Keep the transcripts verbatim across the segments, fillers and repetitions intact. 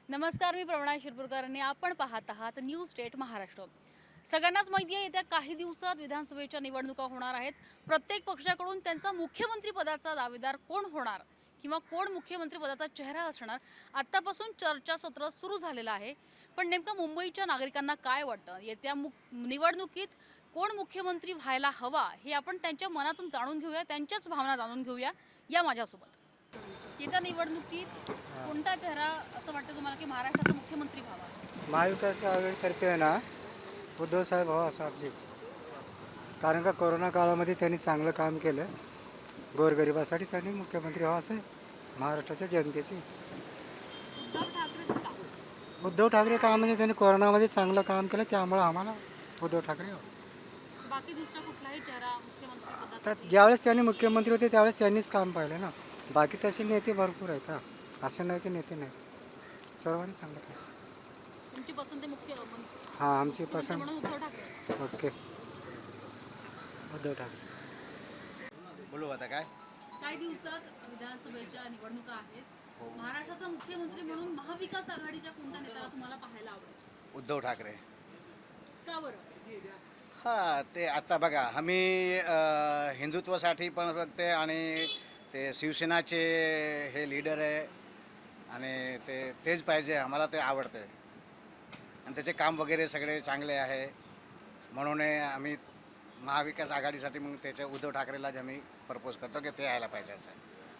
नमस्कार, मी प्रवणा शिरपूरकर आणि आपण पाहत आहात न्यूज स्टेट महाराष्ट्र। सगळ्यांनाच माहिती आहे येत्या काही दिवसात विधानसभेच्या निवडणुका होणार आहेत। प्रत्येक पक्षाकडून त्यांचा मुख्यमंत्री पदाचा दावेदार कोण होणार किंवा कोण मुख्यमंत्री पदाचा चेहरा असणार आतापासून चर्चासत्र सुरू झालेलं आहे। पण नेमकं मुंबईच्या नागरिकांना काय वाटतं, येत्या निवडणुकीत कोण मुख्यमंत्री व्हायला हवा हे आपण त्यांच्या मनातून जाणून घेऊया, त्यांच्याच भावना जाणून घेऊया या माझ्यासोबत। येत्या निवडणुकीत कोणता चेहरा असं वाटतं तुम्हाला की महाराष्ट्राचा मुख्यमंत्री व्हावा? महाविकास आघाडीतर्फे आहे ना, उद्धव साहेब व्हावा असं आमची इच्छा. कारण का कोरोना काळामध्ये त्यांनी चांगलं काम केलं, गोरगरिबासाठी त्यांनी मुख्यमंत्री व्हावं असं महाराष्ट्राच्या जनतेची इच्छा. उद्धव ठाकरेच का? उद्धव ठाकरे का म्हणजे त्यांनी कोरोनामध्ये चांगलं काम केलं, त्यामुळं आम्हाला उद्धव ठाकरे हवं. बाकी दुसरा कुठलाही चेहरा मुख्यमंत्री तर पदासाठी? ज्यावेळेस त्यांनी मुख्यमंत्री होते त्यावेळेस त्यांनीच काम पाहिलं ना. बाकी तसे नेते भरपूर आहेत. हा असं नाही की नेते नाही, सर्वांनी चांगलं काम. तुमची पसंती मुख्यमंत्री हां आमची पसंत म्हणून उद्धव ठाकरे। ओके उद्धव ठाकरे. बोलू आता काय काही दिवसात विधानसभेच्या निवडणुका आहेत। महाराष्ट्राचा मुख्यमंत्री म्हणून महाविकास आघाडीच्या कोणत्या नेत्याला तुम्हाला पाहायला आवडेल? उद्धव ठाकरे. का बरं? हां ते आता बघा आम्ही अ, हिंदुत्वासाठी पण बघते आणि ते शिवसेनाचे हे लीडर आहे आणि ते तेच पाहिजे, आम्हाला ते आवडते आणि त्याचे काम वगैरे सगळे चांगले आहे म्हणून आम्ही महाविकास आघाडीसाठी मग त्याच्या उद्धव ठाकरेलाच आम्ही प्रपोज करतो की ते यायला पाहिजे असं.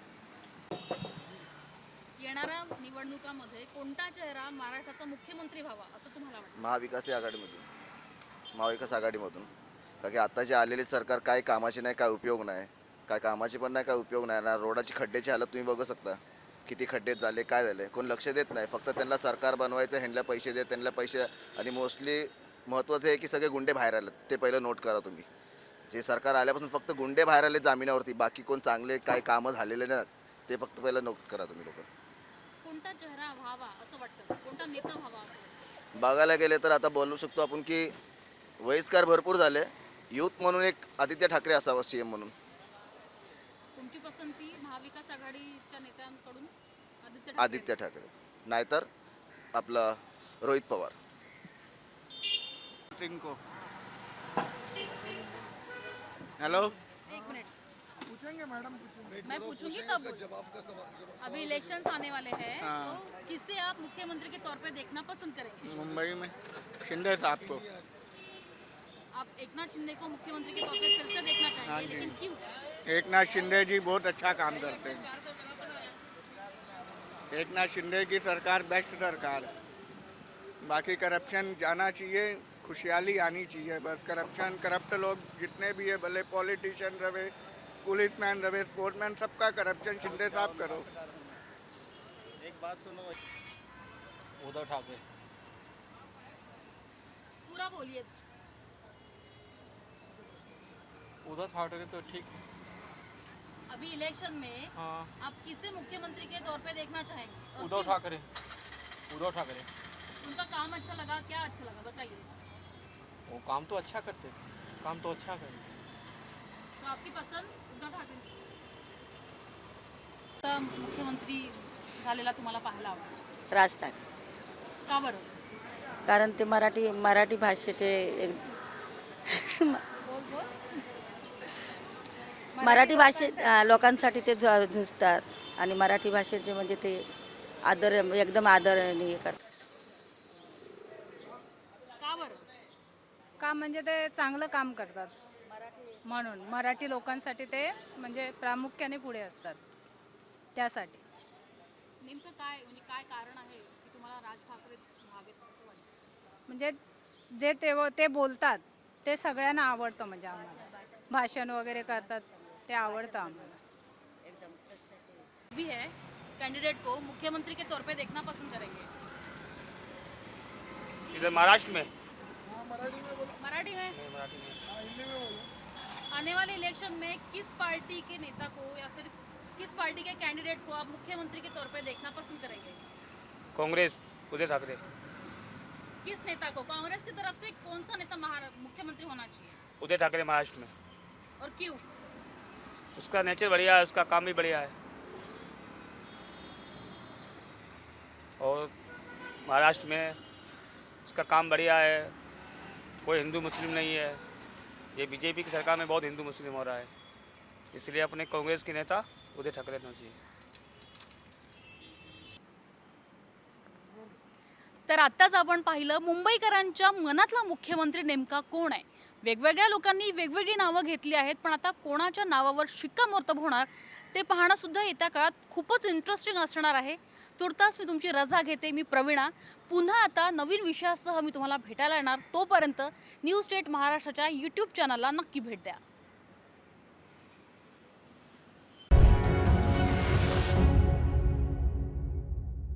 येणाऱ्या निवडणुकामध्ये कोणता चेहरा महाराष्ट्राचा मुख्यमंत्री व्हावा असं तुम्हाला वाटतं? महाविकास आघाडीमधून महाविकास आघाडीमधून कारण की आता जे आलेले सरकार काय कामाचे नाही, काय उपयोग नाही, काय कामाचे पण नाही, काय उपयोग नाही ना. रोडाची खड्ड्याची हालत तुम्ही बघू शकता, किती खड्डे झाले, काय झाले, कोण लक्ष देत नाही. फक्त त्यांना सरकार बनवायचं, ह्यांना पैसे देत, त्यांना पैसे. आणि मोस्टली महत्त्वाचं आहे की सगळे गुंडे बाहेर आलेत, ते पहिलं नोट करा तुम्ही. जे सरकार आल्यापासून फक्त गुंडे बाहेर आले जामिनावरती, बाकी कोण चांगले काय कामं झालेले नाहीत ते फक्त पहिलं नोट करा तुम्ही लोक. कोणता चेहरा व्हावा असं वाटतं, कोणता नेता व्हावा असं वाटतं? बघायला गेले तर आता बोलू शकतो आपण की वयस्कर भरपूर झाले, यूथ म्हणून एक आदित्य ठाकरे असावा सी एम म्हणून. तुमची पसंती महाविकास आघाडीच्या नेत्यांकडून आदित्य ठाकरे? आदित्य ठाकरे नाहीतर आपला रोहित पवार. हेलो, एक मिनट पूछेंगे मैडम, मैं पूछूंगी तब। अभी इलेक्शंस आने वाले हैं हाँ। तो किसे आप मुख्यमंत्री के तौर पे देखना पसंद करेंगे? मुंबई में शिंदे साहब को। आप एकनाथ शिंदे को मुख्यमंत्री के तौर पे फिर से देखना हाँ चाहेंगे, जी। लेकिन क्यों? एकनाथ शिंदे जी बहुत अच्छा काम करते हैं। एकनाथ शिंदे की सरकार बेस्ट सरकार है। बाकी करप्शन जाना चाहिए, खुशहाली आनी चाहिए। बस करप्शन, करप्ट लोग जितने भी है, भले पॉलिटिशियन रहे, पुलिसमैन रहे, स्पोर्ट्समैन, सबका करप्शन शिंदे साहब करो। एक बात सुनो, उद्धव ठाकरे। पूरा बोलिए। उद्धव ठाकरे तो ठीक है। अभी इलेक्शन में हाँ, आप किसे मुख्यमंत्री के तौर पे देखना चाहेंगे और उद्धव क्यों? ठाकरे। उद्धव ठाकरे उनका काम अच्छा लगा, क्या अच्छा लगा बताइए। वो काम तो अच्छा करते थे, काम तो अच्छा करते थे। तो आपकी पसंद उद्धव ठाकरे? आता मुख्यमंत्री झालेला तुम्हाला पाहायला आवडेल? राज ठाकरे. का बरं? कारण ते मराठी मराठी भाषेचे एक बोल बोल. मराठी भाषे अ, लोकांसाठी ते झ- झुजतात आणि मराठी भाषेचे म्हणजे ते आदर एकदम आदरणीय करतात. का बरं? का म्हणजे ते चांगलं काम करतात म्हणून मराठी लोकांसाठी ते म्हणजे प्रामुख्याने पुढे असतात त्यासाठी. नेमकं काय म्हणजे काय कारण आहे की तुम्हाला राज ठाकरेच व्हावेत असं वाटतं? म्हणजे जे ते ते बोलतात ते सगळ्यांना आवडतं, म्हणजे आम्हाला भाषण वगैरे करतात ते आवडतं आम्हाला. भी है कैंडिडेट को मुख्यमंत्री के तौर पे देखना पसंद करेंगे? इधर महाराष्ट्र में मराठी में? आने वाले इलेक्शन में किस पार्टी के नेता को या फिर किस पार्टी के कैंडिडेट को आप मुख्यमंत्री के तौर पे देखना पसंद करेंगे? कांग्रेस, उद्धव ठाकरे। किस नेता को? कांग्रेस की तरफ से कौन सा नेता महारा मुख्यमंत्री होना चाहिए उद्धव ठाकरे महाराष्ट्र में। और क्यों? उसका नेचर बढ़िया है, उसका काम भी बढ़िया है और महाराष्ट्र में इसका काम बढ़िया है, कोई हिंदू मुस्लिम नहीं है। ये बीजेपी की सरकार में बहुत हिंदू मुस्लिम हो रहा है, इसलिए अपने कांग्रेस के नेता उद्धव ठाकरे होना चाहिए। तर आत्ताच आपण पाहिलं मुंबईकरांच्या मनातला मुख्यमंत्री नेमका कोण आहे। वेगवेगळ्या लोकांनी वेगवेगळी नावं घेतली आहेत, पण आता कोणाच्या नावावर शिक्कामोर्तब होणार ते पाहणं सुद्धा येत्या काळात खूपच इंटरेस्टिंग असणार आहे। तुर्तास मी तुमची रजा घेते। मी प्रवीणा, पुन्हा आता नवीन विषयासह मी तुम्हाला भेटायला येणार। तोपर्यंत न्यूज स्टेट महाराष्ट्राच्या यूट्यूब चॅनलला नक्की भेट द्या।